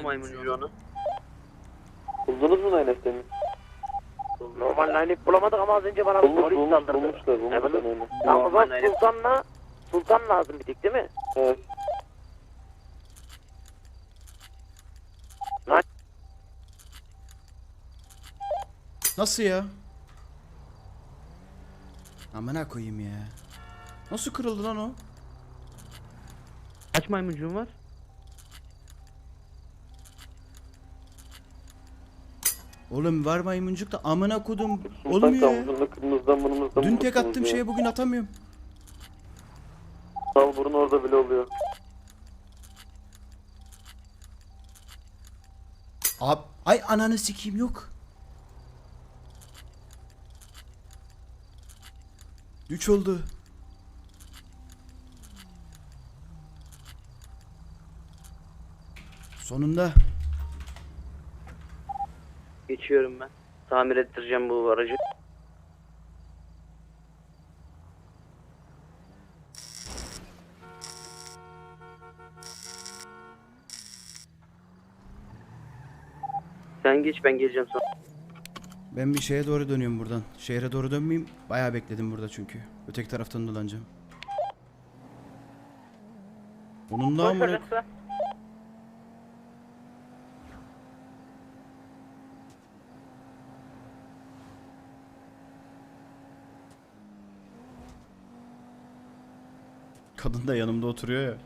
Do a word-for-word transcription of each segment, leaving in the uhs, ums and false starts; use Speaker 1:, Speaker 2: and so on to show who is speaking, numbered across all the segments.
Speaker 1: maymuncuğu onu.
Speaker 2: Buldunuz mu Nine F'teni?
Speaker 1: Normal Nine F bulamadık ama az önce bana
Speaker 2: Bulmuş,
Speaker 1: polis
Speaker 2: bulmuş,
Speaker 1: saldırdı.
Speaker 2: bulmuşlar, bulmuşlar
Speaker 1: Evet.
Speaker 2: öyle.
Speaker 1: Tamam o zaman
Speaker 3: Normal Nine F.
Speaker 1: Sultan'la Sultan lazım bir tek değil mi?
Speaker 2: Evet.
Speaker 4: Nasıl ya? Amına koyayım ya. Nasıl kırıldı lan o?
Speaker 1: Kaç maymuncuğun var?
Speaker 4: Oğlum var maymuncuk da amına kodum.
Speaker 2: Sultan
Speaker 4: Olmuyor ya.
Speaker 2: kampusunda kırmızıdan burnumuzdan
Speaker 4: Dün tek
Speaker 2: vurursunuz
Speaker 4: attığım
Speaker 2: ya.
Speaker 4: şeye bugün atamıyorum.
Speaker 2: Sal burun orada bile oluyor.
Speaker 4: Ab ay ananı sikeyim yok. Üç oldu. Sonunda.
Speaker 3: Geçiyorum ben. Tamir ettireceğim bu aracı. Sen geç, ben geleceğim sonra.
Speaker 4: Ben bir şeye doğru dönüyorum buradan. Şehre doğru dönmeyeyim. Bayağı bekledim burada çünkü. Öteki taraftan dolanacağım. Bunun da amına... Kadın da yanımda oturuyor ya.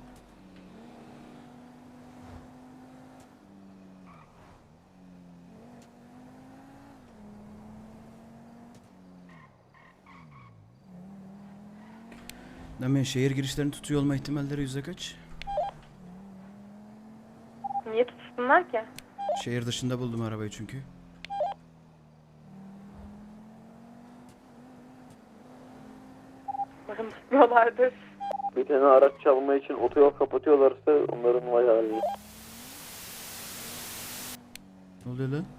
Speaker 4: Demin şehir girişlerini tutuyor olma ihtimalleri yüzde kaç?
Speaker 5: Niye tutsunlar ki?
Speaker 4: Şehir dışında buldum arabayı çünkü.
Speaker 5: Umarım tutmuyorlardır.
Speaker 2: Bir tane araç çalma için otoyol kapatıyorlarsa onların vay haline.
Speaker 4: Ne oluyor lan?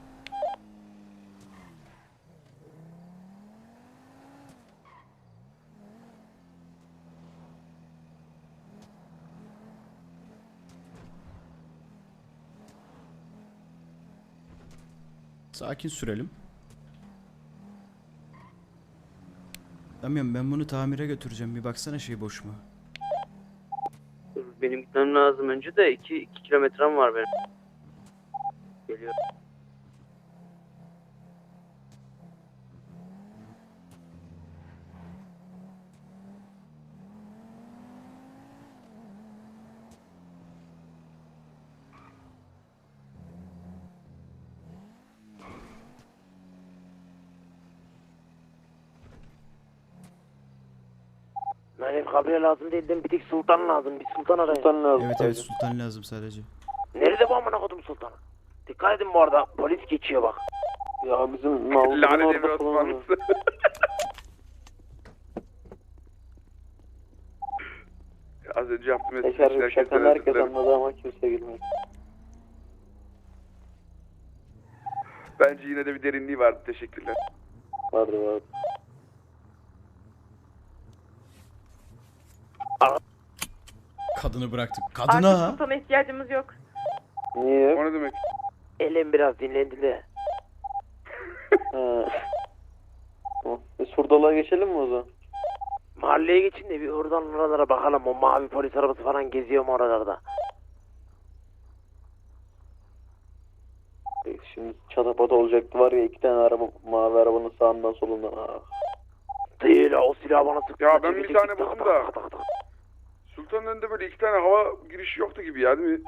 Speaker 4: Sakin sürelim. Damian ben bunu tamire götüreceğim. Bir baksana şey boş mu?
Speaker 3: Dur, benim gitmem lazım önce de iki, iki kilometrem var benim. Geliyorum.
Speaker 1: Nine F kabriye lazım değil değil mi? Bir tek Sultan lazım. Bir Sultan arayın.
Speaker 2: Sultan lazım.
Speaker 4: Evet evet
Speaker 2: sadece.
Speaker 4: sultan lazım sadece.
Speaker 1: Nerede bu amına kodum Sultan'ı? Dikkat edin bu arada. Polis geçiyor bak.
Speaker 2: Ya bizim Mavlu'nun
Speaker 6: Lanet
Speaker 2: orada
Speaker 6: Emre
Speaker 2: falan.
Speaker 6: Osmanlısı. Az önce yaptığım espri
Speaker 2: Eşer
Speaker 6: herkes
Speaker 2: şakanı
Speaker 6: özür
Speaker 2: herkes
Speaker 6: dilerim.
Speaker 2: anladı ama kimse gülmedi.
Speaker 6: Bence yine de bir derinliği vardı. Teşekkürler.
Speaker 2: Vardı vardı.
Speaker 4: Kadını bıraktık.
Speaker 5: Artık
Speaker 4: Kadına.
Speaker 5: sultana ihtiyacımız yok.
Speaker 2: Niye?
Speaker 6: O ne demek?
Speaker 1: Elim biraz dinlendi de.
Speaker 2: Ha. Tamam. E, Surdalığa geçelim mi o zaman?
Speaker 1: Mahalleye geçin de bir oradan oralara bakalım. O mavi polis arabası falan geziyor mu oralarda?
Speaker 2: E, Şimdi çatapat olacaktı var ya iki tane araba mavi arabanın sağından solundan. Ah.
Speaker 1: Değil o silahı bana sıktı.
Speaker 6: Ya ben bir
Speaker 1: Çekecek,
Speaker 6: tane
Speaker 1: tak,
Speaker 6: buldum
Speaker 1: tak,
Speaker 6: da.
Speaker 1: tak, tak, tak.
Speaker 6: Sultan'ın önünde böyle iki tane hava girişi yoktu gibi ya, değil mi?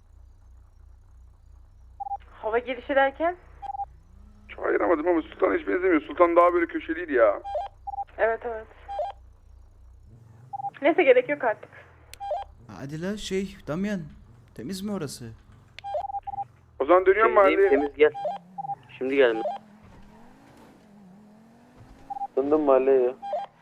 Speaker 5: Hava girişi derken?
Speaker 6: Çok ayıramadım ama Sultan'a hiç benzemiyor. Sultan daha böyle köşeliydi ya.
Speaker 5: Evet evet. Neyse gerek yok artık.
Speaker 4: Hadi la şey Damian. Temiz mi orası?
Speaker 6: O zaman dönüyorum
Speaker 3: Şeydeyim,
Speaker 6: mahalleye.
Speaker 3: temiz gel. Şimdi geldim.
Speaker 2: Döndüm mahalleye ya.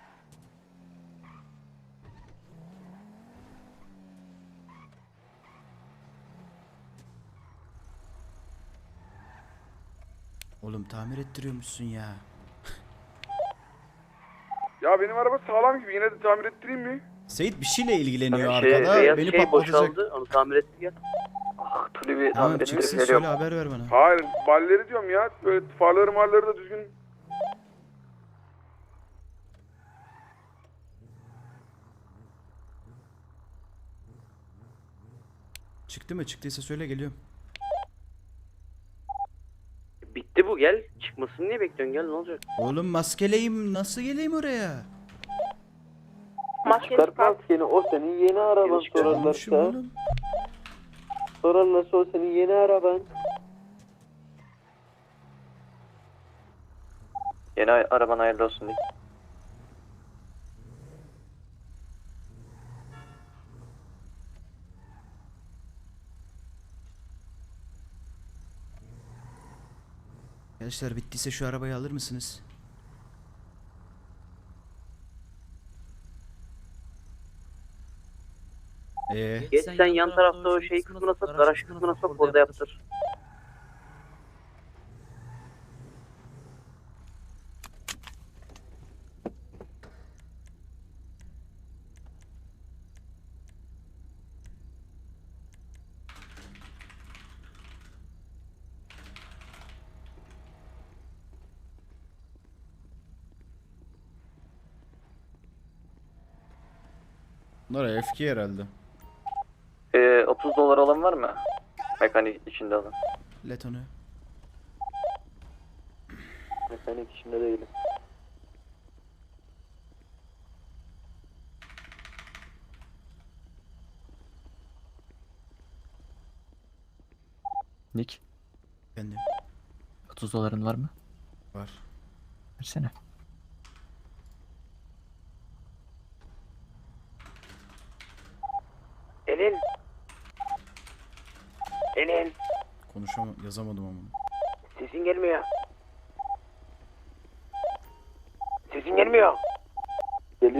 Speaker 4: Oğlum tamir ettiriyormuşsun ya.
Speaker 6: Ya benim araba sağlam gibi, yine de tamir ettireyim mi?
Speaker 4: Seyit bir şeyle ilgileniyor
Speaker 3: Şey,
Speaker 4: arkada.
Speaker 3: beyaz
Speaker 4: Beni
Speaker 3: şey
Speaker 4: patlatacak.
Speaker 3: boşaldı. Onu tamir ettir gel.
Speaker 1: Ah,
Speaker 2: kulübü
Speaker 4: Tamam
Speaker 2: tamir
Speaker 4: çıksın
Speaker 2: ettirip
Speaker 4: söyle
Speaker 2: veriyorum.
Speaker 4: haber ver bana.
Speaker 6: Hayır balleri diyorum ya. Böyle farları marları da düzgün.
Speaker 4: Çıktı mı? Çıktıysa söyle geliyorum.
Speaker 3: Bitti bu, gel. Çıkmasını niye bekliyorsun, gel ne olacak?
Speaker 4: Oğlum maskeleyim nasıl geleyim oraya?
Speaker 5: Maskeni
Speaker 2: Çıkart
Speaker 5: çıkart.
Speaker 2: maskeni, o senin yeni araban
Speaker 4: Çıkarmışım
Speaker 2: sorarlarsa.
Speaker 4: oğlum.
Speaker 2: Sorarlarsa o senin yeni araban. Yeni araban hayırlı olsun diye.
Speaker 4: Gençler bittiyse şu arabayı alır mısınız? Ee,
Speaker 3: Geç sen yan tarafta o şey kısmına sok, garaj kısmına sok, orada yaptır.
Speaker 4: bunlar F K herhalde.
Speaker 2: Ee, otuz dolar olan var mı? Mekanik içinde alın.
Speaker 4: Let onu.
Speaker 2: Mekanik içinde değilim.
Speaker 7: Nick,
Speaker 4: Kendim.
Speaker 7: otuz doların var mı?
Speaker 4: Var.
Speaker 7: Versene.
Speaker 1: Elin. Elin.
Speaker 4: Konuşamam, yazamadım ama.
Speaker 1: Sesin gelmiyor. Sesin gelmiyor.
Speaker 2: Geliyor.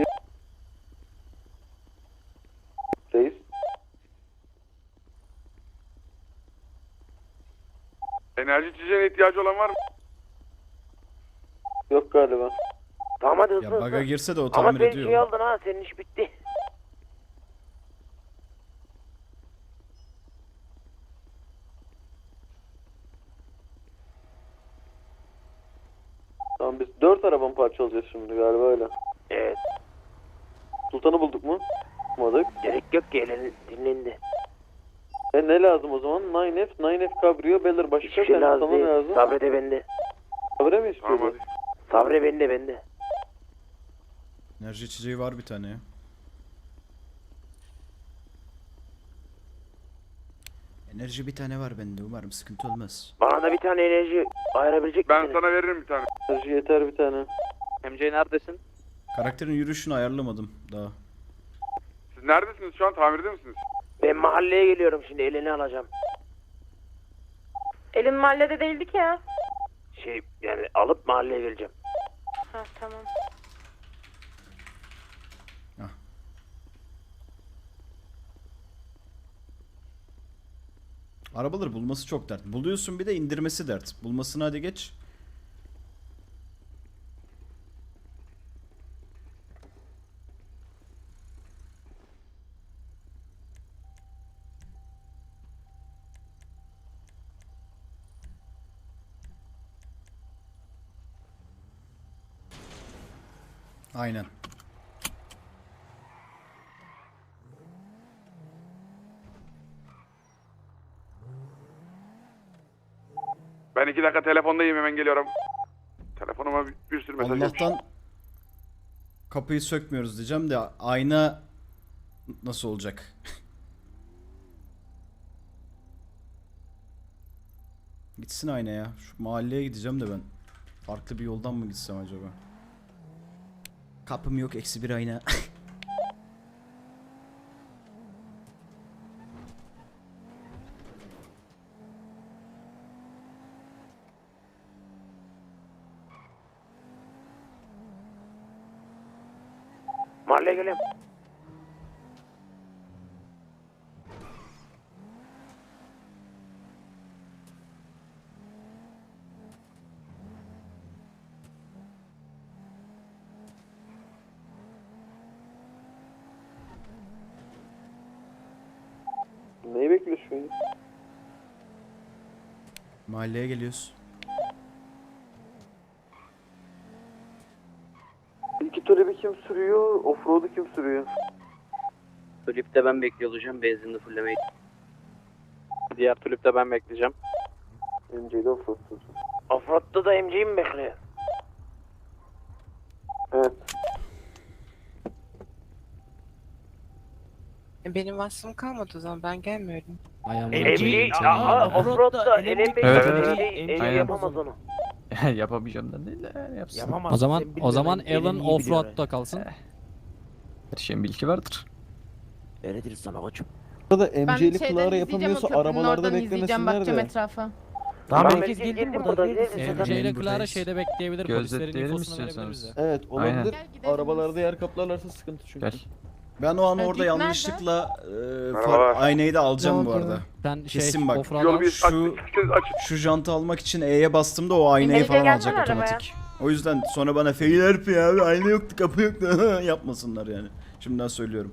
Speaker 2: Reis.
Speaker 6: Enerji içeceğine ihtiyacı olan var mı?
Speaker 2: Yok galiba.
Speaker 1: Tamam hadi hızlı
Speaker 4: Ya
Speaker 1: hızlı.
Speaker 4: baga girse de o
Speaker 1: Ama
Speaker 4: tamir
Speaker 1: sen
Speaker 4: ediyor.
Speaker 1: şey aldın ha, senin iş bitti.
Speaker 2: Tamam biz dört arabanın parçalayacağız şimdi galiba öyle.
Speaker 1: Evet.
Speaker 2: Sultan'ı bulduk mu? Bulmadık.
Speaker 1: Gerek yok ki, Elin dinlendi.
Speaker 2: E ne lazım o zaman? nine F, nine F Cabrio, Beller başka
Speaker 1: Hiçbir şey
Speaker 2: bir
Speaker 1: lazım
Speaker 2: sana
Speaker 1: değil.
Speaker 2: lazım.
Speaker 1: Sabre de bende.
Speaker 2: Sabre mi
Speaker 6: Tamam
Speaker 2: istiyordu?
Speaker 6: hadi.
Speaker 1: Sabre bende bende.
Speaker 4: Enerji içeceği var bir tane ya. Enerji bir tane var bende. Umarım sıkıntı olmaz.
Speaker 1: Bana da bir tane enerji ayırabilecek
Speaker 6: Ben
Speaker 1: misiniz?
Speaker 6: sana veririm bir tane.
Speaker 2: Enerji yeter bir tane.
Speaker 3: M J neredesin?
Speaker 4: Karakterin yürüyüşünü ayarlamadım daha.
Speaker 6: Siz neredesiniz şu an? Tamirde misiniz?
Speaker 1: Ben mahalleye geliyorum şimdi, elini alacağım.
Speaker 5: Elin mahallede değildi ki ya.
Speaker 1: Şey yani alıp mahalleye geleceğim.
Speaker 5: Ha tamam.
Speaker 4: Arabaları bulması çok dert. Buluyorsun bir de indirmesi dert. Bulmasını hadi geç. Aynen.
Speaker 6: Ben iki dakika telefondayım, hemen geliyorum. Telefonuma bir, bir sürü mesaj gelmiş.
Speaker 4: Allah'tan kapıyı sökmüyoruz diyeceğim de ayna nasıl olacak? Gitsin ayna ya. Şu mahalleye gideceğim de ben. Farklı bir yoldan mı gitsem acaba? Kapım yok, eksi bir ayna.
Speaker 1: Mahalleye geliyorum.
Speaker 2: Neyi bekliyorsun şu an?
Speaker 4: Mahalleye geliyoruz.
Speaker 2: İki talebi kim sürüyor? Offroad'u kim sürüyor?
Speaker 3: Tulip'te ben bekliyor olacağım benzinli fullemeyi.
Speaker 8: Diğer tulipte ben bekleyeceğim.
Speaker 2: M C'de offroad sürsün.
Speaker 1: Offroad'da da M C'yi mi bekliyor?
Speaker 2: Evet.
Speaker 9: Benim vasfım kalmadı o zaman ben gelmiyorum.
Speaker 1: M C, aa Offroad'da L M P
Speaker 7: Evet,
Speaker 1: M
Speaker 7: evet.
Speaker 1: C M C
Speaker 7: Aynen.
Speaker 1: yapamaz onu.
Speaker 7: Yapamayacağım da değil de yani yapsın.
Speaker 10: Yapamaz. O zaman o zaman Alan Offroad'da kalsın.
Speaker 7: Her şeyin bilgi vardır.
Speaker 10: Öyledir sana koçum.
Speaker 11: Burada
Speaker 5: Ben
Speaker 11: M C'li
Speaker 5: şeyden
Speaker 11: Clara
Speaker 5: izleyeceğim,
Speaker 11: yapamıyorsa
Speaker 5: o köprünün
Speaker 11: arabalarda
Speaker 5: oradan izleyeceğim,
Speaker 11: beklemesinler
Speaker 5: bakacağım
Speaker 11: de.
Speaker 5: etrafa.
Speaker 10: Tamam
Speaker 1: Ben
Speaker 10: herkes
Speaker 1: geldim
Speaker 10: geldi
Speaker 1: burada,
Speaker 10: burada.
Speaker 1: geldim.
Speaker 10: M
Speaker 1: Zaten
Speaker 10: C ile Clara
Speaker 4: buradayız.
Speaker 10: şeyde bekleyebilir. Polislerin
Speaker 7: Gözetleyelim
Speaker 10: infosunu verebilir
Speaker 7: istiyorsanız.
Speaker 10: bize.
Speaker 11: Evet
Speaker 7: Aynen.
Speaker 11: olabilir.
Speaker 5: Gel gidelim
Speaker 11: Arabalarda yer kaplarlarsa sıkıntı çünkü.
Speaker 7: Gel.
Speaker 4: Ben o an
Speaker 5: Ha,
Speaker 4: orada
Speaker 5: Dik nerede?
Speaker 4: yanlışlıkla e,
Speaker 6: Merhabalar.
Speaker 4: far, aynayı da alacağım
Speaker 5: Ne
Speaker 4: bu
Speaker 5: oldu?
Speaker 4: arada.
Speaker 10: Sen şey
Speaker 4: Kesin bak.
Speaker 10: Offroad'a
Speaker 6: Yolu bir
Speaker 4: Şu-
Speaker 6: açın. Açın.
Speaker 4: Şu jantı almak için E'ye bastığımda o aynayı
Speaker 5: İndice
Speaker 4: falan
Speaker 5: gelsene
Speaker 4: alacak
Speaker 5: arabaya.
Speaker 4: otomatik. O yüzden sonra bana fail herif ya abi ayna yoktu kapı yoktu yapmasınlar yani. Şimdiden söylüyorum.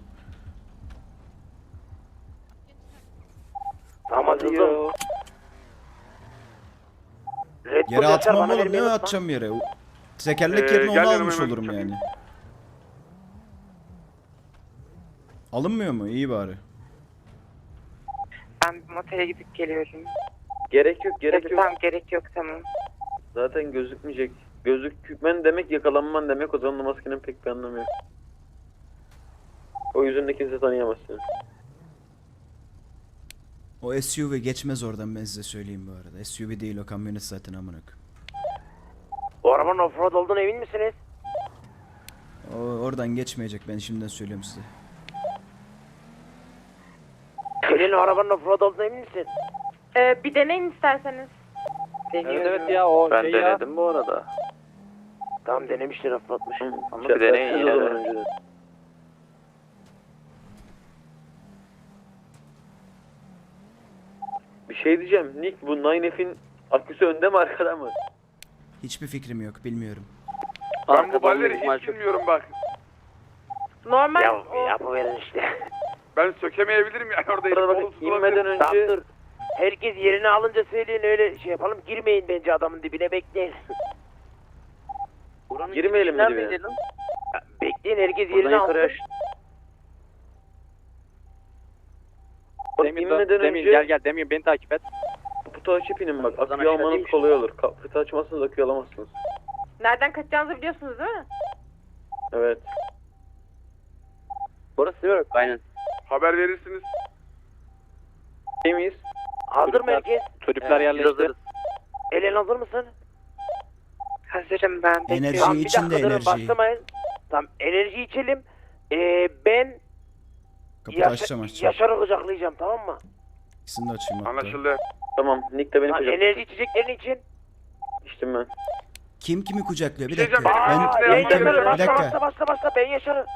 Speaker 1: Tamam hadi kızım. Red Bull
Speaker 4: Yere
Speaker 1: Yaşar
Speaker 4: atmam
Speaker 1: bana
Speaker 4: oğlum,
Speaker 1: vermeyi
Speaker 4: ne
Speaker 1: unutma.
Speaker 4: atacağım yere? O- Tekerlek
Speaker 6: Ee,
Speaker 4: yerine onu
Speaker 6: gel yanıma
Speaker 4: almış
Speaker 6: hemen
Speaker 4: olurum
Speaker 6: çabuk.
Speaker 4: yani. Alınmıyor mu? İyi bari.
Speaker 9: Ben bir motele gidip geliyorum.
Speaker 2: Gerek yok, gerek
Speaker 9: Tabii,
Speaker 2: yok.
Speaker 9: tamam gerek yok tamam.
Speaker 2: Zaten gözükmeyecek. Gözükmen demek yakalanman demek, o zaman da maskenin pek bir anlamı yok. O yüzünde kimse tanıyamaz seni.
Speaker 4: O S U V geçmez oradan, ben size söyleyeyim bu arada. S U V değil o, kamyonet zaten amına koyayım.
Speaker 1: O arabanın offroad olduğuna emin misiniz?
Speaker 4: O oradan geçmeyecek, ben şimdiden söylüyorum size.
Speaker 1: Senin o arabanın offroad olduğuna emin misin?
Speaker 5: Ee, bir deneyin isterseniz.
Speaker 8: Evet evet ya o
Speaker 2: Ben
Speaker 8: şey ya.
Speaker 2: denedim bu arada.
Speaker 1: Tamam denemişler offroadmuş.
Speaker 2: Ama bir deneyin yine de. Bir şey diyeceğim. Nick, bu nine F'in aküsü önde mi arkada mı?
Speaker 4: Hiçbir fikrim yok, bilmiyorum.
Speaker 6: Ben bu
Speaker 3: Arkadan
Speaker 6: balleri
Speaker 3: büyük ihtimal
Speaker 6: hiç
Speaker 3: çok-
Speaker 6: bilmiyorum bak.
Speaker 5: Normal
Speaker 1: Ya
Speaker 5: o.
Speaker 1: yapıverin işte.
Speaker 6: Ben sökemeyebilirim yani orada.
Speaker 2: Burada
Speaker 6: elim
Speaker 2: bak,
Speaker 6: kolu
Speaker 2: inmeden
Speaker 6: tutulabilir.
Speaker 1: Tamam
Speaker 2: önce
Speaker 1: dur. Herkes yerini alınca söyleyin, öyle şey yapalım. Girmeyin bence adamın dibine, bekleyin.
Speaker 3: Buranın
Speaker 2: Girmeyelim mi
Speaker 3: girişi
Speaker 2: dibine?
Speaker 3: neredeydi lan?
Speaker 1: Ya, bekleyin, herkes
Speaker 3: Buradan
Speaker 1: yerini
Speaker 3: yukarı
Speaker 1: alsın.
Speaker 3: aş.
Speaker 2: bak,
Speaker 8: Demir,
Speaker 2: inmeden
Speaker 8: Demir
Speaker 2: önce
Speaker 8: gel gel Demir beni takip et.
Speaker 2: kaputu açıp inin bak.
Speaker 3: Buradan
Speaker 2: Aküyü
Speaker 3: aşağı
Speaker 2: almanız
Speaker 3: değilmiş.
Speaker 2: kolay olur. Kaputu açmazsanız aküyü alamazsınız.
Speaker 5: Nereden kaçacağınızı biliyorsunuz değil mi?
Speaker 2: Evet.
Speaker 3: Burası değil mi? Aynen.
Speaker 6: Haber verirsiniz.
Speaker 2: İyi miyiz?
Speaker 1: Hazır mı herkes?
Speaker 8: Tulipler
Speaker 3: Evet,
Speaker 8: yerleşti.
Speaker 3: hazırız.
Speaker 1: Elen hazır mısın?
Speaker 9: Hazırım ben bekliyorum.
Speaker 4: Enerji
Speaker 1: Tamam bir
Speaker 4: için
Speaker 1: dakika
Speaker 4: de
Speaker 1: durun,
Speaker 4: enerji.
Speaker 1: başlamayın. Tamam enerji içelim. Ee, ben
Speaker 4: Kapıyı
Speaker 1: Yaşa-
Speaker 4: açacağım açacağım.
Speaker 1: Yaşar'ı kucaklayacağım, tamam mı?
Speaker 4: İkisini de açayım hatta.
Speaker 6: Anlaşıldı.
Speaker 2: Tamam. Nick de beni
Speaker 1: Lan
Speaker 2: kucak.
Speaker 1: enerji içeceklerin için.
Speaker 2: İçtim ben.
Speaker 4: Kim kimi kucaklıyor? Bir
Speaker 6: Bir şey
Speaker 4: dakika.
Speaker 6: diyeceğim,
Speaker 4: Ben,
Speaker 6: Aa,
Speaker 1: Ben
Speaker 6: ben-
Speaker 4: ben,
Speaker 1: Yaşar'ı
Speaker 4: bir
Speaker 1: başla
Speaker 4: dakika.
Speaker 1: başla başla başla, ben Yaşar'ı.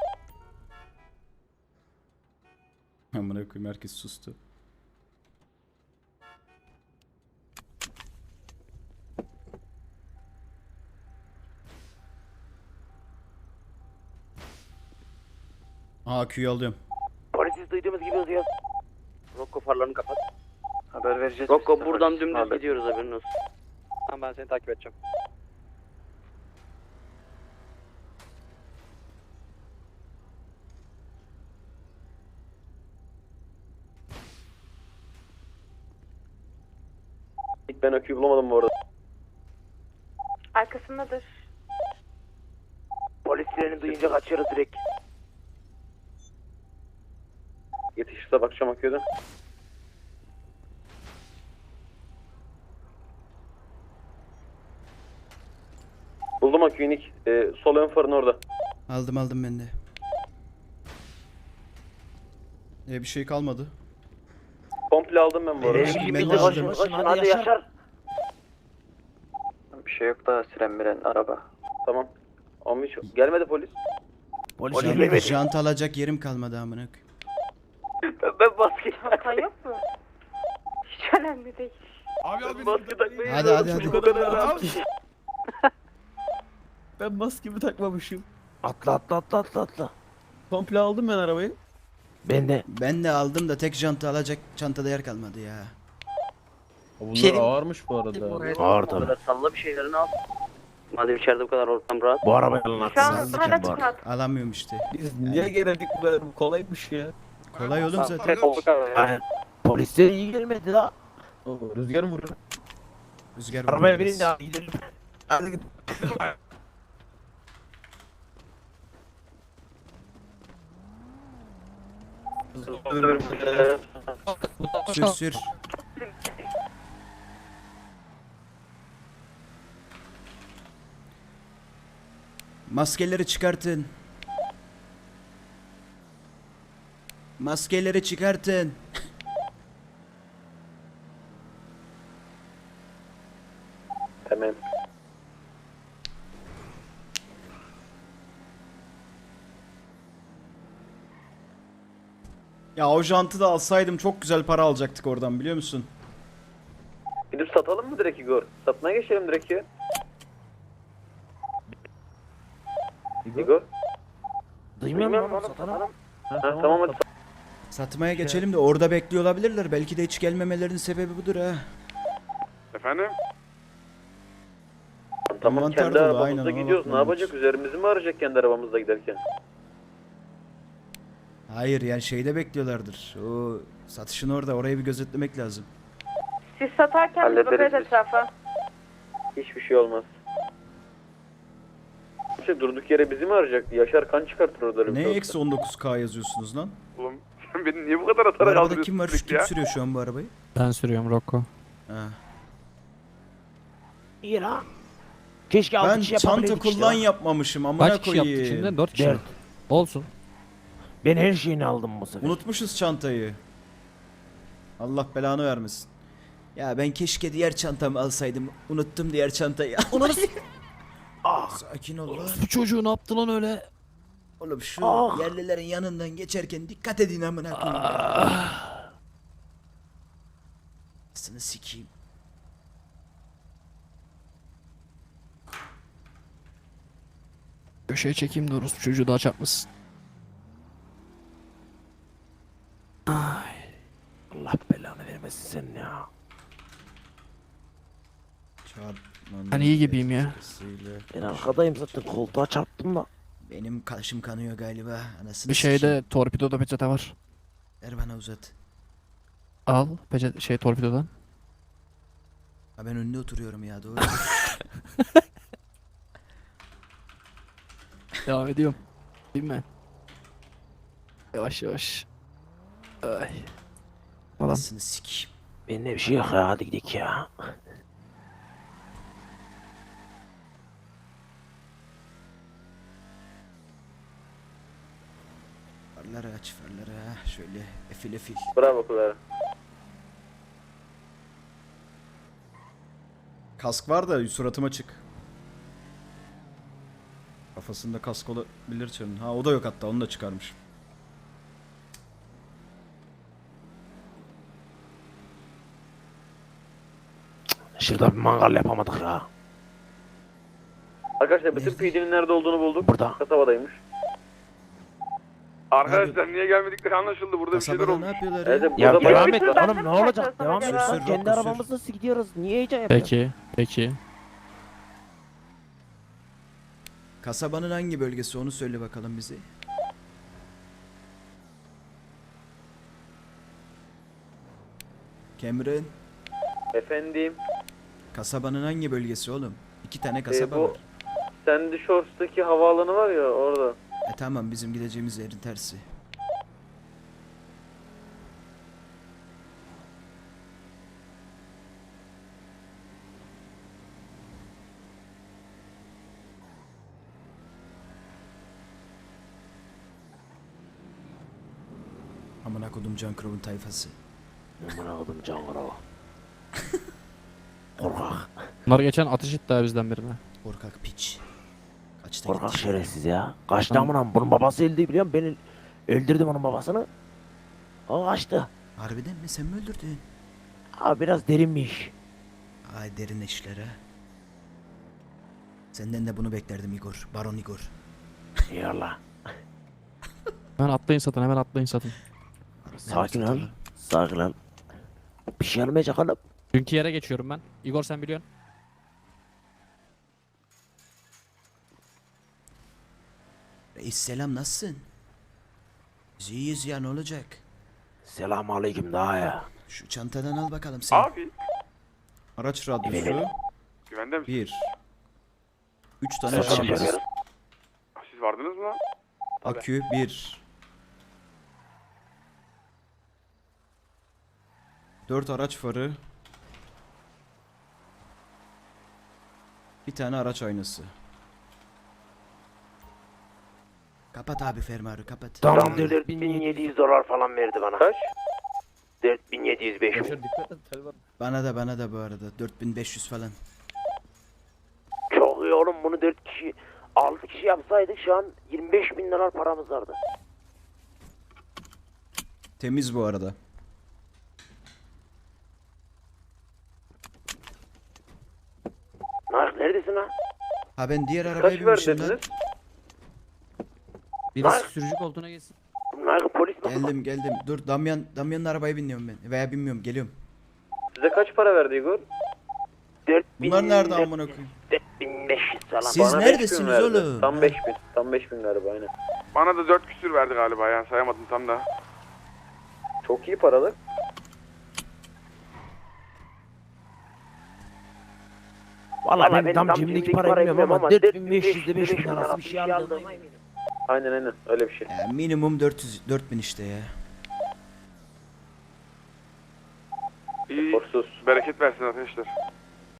Speaker 4: Amına koyayım, herkes sustu. Aa, Q'yu alıyorum.
Speaker 1: Polisiz duyduğumuz gibi hızlıyor.
Speaker 3: Rocco farlarını kapat.
Speaker 2: Haber vereceğiz.
Speaker 3: Rocco buradan dümdüz gidiyoruz, haberin olsun.
Speaker 8: Tamam ben seni takip edeceğim.
Speaker 2: Nick, ben aküyü bulamadım bu arada.
Speaker 5: Arkasındadır.
Speaker 1: Polis sireni duyunca kaçıyoruz direkt.
Speaker 2: Yetişirse bakacağım aküye. Buldum aküyü Nick. Ee, sol ön farın orada.
Speaker 4: Aldım aldım ben de. E bir şey kalmadı.
Speaker 2: Komple aldım ben bu arada.
Speaker 1: Enerji
Speaker 4: ben
Speaker 1: bitti,
Speaker 4: de
Speaker 1: koşun
Speaker 4: aldım.
Speaker 1: koşun,
Speaker 10: Hadi
Speaker 1: hadi
Speaker 10: Yaşar.
Speaker 1: Yaşar.
Speaker 2: Bir şey yok daha, siren miren araba. Tamam. Ama hiç gelmedi polis.
Speaker 10: Polis
Speaker 1: Polis
Speaker 10: gelmedi.
Speaker 1: gelmedi.
Speaker 4: Jant alacak yerim kalmadı amına koyayım.
Speaker 2: Ben, ben maske
Speaker 5: Çantan yok mu? Hiç önemli değil.
Speaker 6: Abi abi.
Speaker 2: maske takmayı
Speaker 4: Hadi hadi hadi.
Speaker 2: O kadar rahat.
Speaker 11: Ben maskemi takmamışım.
Speaker 10: Atla atla atla atla atla.
Speaker 11: Komple aldım ben arabayı.
Speaker 10: Ben de
Speaker 4: Ben de aldım da tek jantı alacak çantada yer kalmadı ya.
Speaker 11: Bunlar
Speaker 9: Şey-
Speaker 11: ağırmış bu arada.
Speaker 10: Ağır
Speaker 3: O
Speaker 10: tabii.
Speaker 3: kadar salla bir şeylerini al. Madem içeride bu kadar ortam rahat.
Speaker 10: Bu arabayı alın
Speaker 5: Şu an
Speaker 10: haksızlık
Speaker 5: hala
Speaker 10: için bu arada.
Speaker 5: çıkart.
Speaker 4: Alamıyorum işte.
Speaker 11: Biz niye geldik bu kadar? Bu kolaymış ya.
Speaker 4: Kolay oğlum zaten.
Speaker 10: Aynen. Polisler iyi gelmedi la.
Speaker 11: Oo, rüzgar mı vuruyor?
Speaker 4: Rüzgar
Speaker 10: Arabaya
Speaker 4: vuruyor
Speaker 10: binin
Speaker 4: biraz.
Speaker 10: ya gidelim. Hadi git.
Speaker 4: Sür sür. Maskeleri çıkartın. Maskeleri çıkartın.
Speaker 2: Tamam.
Speaker 4: Ya o jantı da alsaydım çok güzel para alacaktık oradan biliyor musun?
Speaker 2: Gidip satalım mı direkt Igor? Satmaya geçelim direkt ya. Igor?
Speaker 10: Duymuyor musun oğlum satanım?
Speaker 2: Ha, tamam hadi.
Speaker 4: Satmaya geçelim de orada bekliyor olabilirler. Belki de hiç gelmemelerinin sebebi budur ha.
Speaker 6: Efendim?
Speaker 2: Tamam
Speaker 4: Mantar
Speaker 2: kendi
Speaker 4: dolu,
Speaker 2: arabamızda
Speaker 4: aynen, ona
Speaker 2: gidiyoruz. Ne
Speaker 4: bakmam
Speaker 2: yapacak? Üzerimizi mi arayacak kendi arabamızda giderken?
Speaker 4: Hayır yani şeyde bekliyorlardır. O satışın orada. Orayı bir gözetlemek lazım.
Speaker 5: Siz satarken biz
Speaker 2: Hallederiz
Speaker 5: bakarız
Speaker 2: biz.
Speaker 5: etrafa.
Speaker 2: Hiçbir şey olmaz. Şey, durduk yere bizi mi arayacak? Yaşar kan çıkartır orada. öyle bir
Speaker 4: Ne
Speaker 2: şey olsa.
Speaker 4: eksi on dokuz K yazıyorsunuz lan?
Speaker 6: Oğlum sen beni niye bu kadar
Speaker 4: Bu
Speaker 6: atarak
Speaker 4: arabada
Speaker 6: aldırıyorsun
Speaker 4: kim var? Şu
Speaker 6: sürekli
Speaker 4: kim
Speaker 6: ya?
Speaker 4: sürüyor şu an bu arabayı?
Speaker 7: Ben sürüyorum Rocco.
Speaker 4: Ha.
Speaker 10: İyi la. Keşke altı
Speaker 4: Ben
Speaker 10: kişi
Speaker 4: çanta
Speaker 10: yapabildik işte
Speaker 4: kullan
Speaker 10: la.
Speaker 4: yapmamışım. Amına
Speaker 7: Kaç kişi yaptı
Speaker 4: koyayım.
Speaker 7: içinde? Dört kişi.
Speaker 10: Dört.
Speaker 7: Olsun.
Speaker 10: Ben her şeyini aldım bu sefer.
Speaker 4: Unutmuşuz çantayı. Allah belanı vermesin. Ya ben keşke diğer çantamı alsaydım. Unuttum diğer çantayı. Onu Ah. Sakin ol lan.
Speaker 7: Bu çocuğu ne yaptı lan öyle?
Speaker 4: Oğlum şu
Speaker 10: Ah.
Speaker 4: yerlilerin yanından geçerken dikkat edin amına koyayım. Sını sikeyim.
Speaker 7: Köşeye çekeyim de orospu çocuğu daha çarpmasın.
Speaker 10: Allah belanı vermesin senin ya.
Speaker 4: Çarpmanın
Speaker 7: Ben iyi gibiyim ya.
Speaker 4: etkisiyle
Speaker 10: Ben arkadayım zaten koltuğa çarptım da.
Speaker 4: Benim kaşım kanıyor galiba. Anasını
Speaker 7: Bir
Speaker 4: sikeyim.
Speaker 7: şeyde torpidoda peçete var.
Speaker 4: Ver bana uzat.
Speaker 7: Al peçete şey torpidodan.
Speaker 4: Ha ben önünde oturuyorum ya doğru.
Speaker 7: Devam ediyorum. Bilme. Yavaş yavaş. Ay. Falan.
Speaker 4: Anasını sikeyim.
Speaker 10: Bende bir şey yok ya hadi gidelim ya.
Speaker 4: Farları aç farları ha. Şöyle efil efil.
Speaker 2: Bravo Clara.
Speaker 4: Kask var da suratıma çık. Kafasında kask olabilir çarın. Ha o da yok hatta onu da çıkarmış.
Speaker 10: Şurada bir mangal yapamadık ya.
Speaker 2: Arkadaşlar bütün
Speaker 4: Nerede?
Speaker 2: P D'nin nerede olduğunu bulduk.
Speaker 10: Burada.
Speaker 2: Kasabadaymış.
Speaker 6: Arkadaşlar niye gelmedikleri anlaşıldı. Burada bir şeyler
Speaker 4: Kasabada ne
Speaker 6: olmuş.
Speaker 4: yapıyorlar
Speaker 2: Evet,
Speaker 4: ya?
Speaker 10: Ya
Speaker 2: burada
Speaker 10: devam
Speaker 2: bayağı-
Speaker 10: et
Speaker 5: Bütün benden
Speaker 10: oğlum ne
Speaker 5: mi
Speaker 10: olacak?
Speaker 5: saklıyorsun
Speaker 10: Devam et.
Speaker 5: acaba?
Speaker 4: Sür, sür,
Speaker 10: Kendi
Speaker 4: Rocco, sür.
Speaker 10: arabamızda nasıl gidiyoruz? Niye heyecan yapıyorsun?
Speaker 7: Peki. Peki.
Speaker 4: Kasabanın hangi bölgesi onu söyle bakalım bize. Cameron,
Speaker 2: Efendim.
Speaker 4: kasabanın hangi bölgesi oğlum? İki tane kasaba
Speaker 2: bu-
Speaker 4: var.
Speaker 2: Sandy Shorts'taki havaalanı var ya orada.
Speaker 4: E tamam bizim gideceğimiz yerin tersi. Amına kodum Can Crow'un tayfası.
Speaker 10: Amına koydum cangara. Korkak.
Speaker 7: Bunlar geçen ateş etti ha bizden birine.
Speaker 4: Korkak piç. Kaçta
Speaker 10: Korkak
Speaker 4: gitti?
Speaker 10: şerefsiz ya. Kaçtı amına bunun babası öldü biliyor musun? Ben öldürdüm onun babasını. O kaçtı.
Speaker 4: Harbiden mi sen mi öldürdün?
Speaker 10: Abi biraz derinmiş.
Speaker 4: Ay derin işler ha. Senden de bunu beklerdim Igor. Baron Igor.
Speaker 10: Eyvallah.
Speaker 7: Hemen atlayın satın hemen atlayın satın.
Speaker 10: Sakin ol. Sakin ol. Bir şey olmayacak oğlum.
Speaker 7: Dünkü yere geçiyorum ben. Igor sen biliyorsun.
Speaker 4: Reis selam, nasılsın? Biz iyiyiz ya, ne olacak?
Speaker 10: Selamun aleyküm daha ya.
Speaker 4: Şu çantadan al bakalım sen.
Speaker 6: Abi.
Speaker 4: Araç radyosu
Speaker 6: Güvende misin?
Speaker 4: bir. Üç tane
Speaker 10: Evet,
Speaker 4: şarj.
Speaker 10: evet.
Speaker 6: Siz vardınız mı lan?
Speaker 4: Akü bir. Dört araç farı. Bir tane araç aynası. Kapat abi fermuarı, kapat.
Speaker 10: Tamam
Speaker 1: Tam
Speaker 10: dört
Speaker 1: dört
Speaker 10: bin
Speaker 1: bin
Speaker 10: yedi
Speaker 1: yedi yüz dolar falan verdi bana.
Speaker 2: Kaç?
Speaker 1: dört bin yedi yüz beş.
Speaker 11: Yaşar dikkat et tel var.
Speaker 4: Bana da bana da bu arada dört bin beş yüz falan.
Speaker 1: Çok iyi oğlum, bunu dört kişi altı kişi yapsaydık şu an yirmi beş bin dolar paramız vardı.
Speaker 4: Temiz bu arada.
Speaker 1: Nark neredesin ha?
Speaker 4: Ha ben diğer arabaya
Speaker 2: Kaç
Speaker 4: binmişim lan.
Speaker 2: verdiniz?
Speaker 7: Birisi sürücü koltuğuna geçsin.
Speaker 1: Nark polis mi?
Speaker 4: Geldim geldim. Dur Damyan Damyan'ın arabaya biniyorum ben. Veya binmiyorum, geliyorum.
Speaker 2: Size kaç para verdi Igor?
Speaker 1: dört bin,
Speaker 4: Bunlar nerede amına koyayım?
Speaker 1: dört bin beş yüz falan.
Speaker 4: Siz
Speaker 2: Bana beş bin
Speaker 4: neredesiniz
Speaker 2: verdi.
Speaker 4: oğlum?
Speaker 2: Tam
Speaker 4: Ha?
Speaker 2: beş bin. Tam beş bin galiba aynen.
Speaker 6: Bana da dört küsür verdi galiba ya. Sayamadım tam da.
Speaker 2: Çok iyi paralık.
Speaker 10: Valla
Speaker 1: Valla
Speaker 10: ben tam cimrilik para bilmiyorum ama dört bin beş yüz ile beş bin arası bir şey aldım.
Speaker 2: Aynen aynen öyle bir şey.
Speaker 4: Ya minimum dört yüz dört bin işte ya.
Speaker 6: İyi.
Speaker 2: Korsuz.
Speaker 6: Bereket versin arkadaşlar.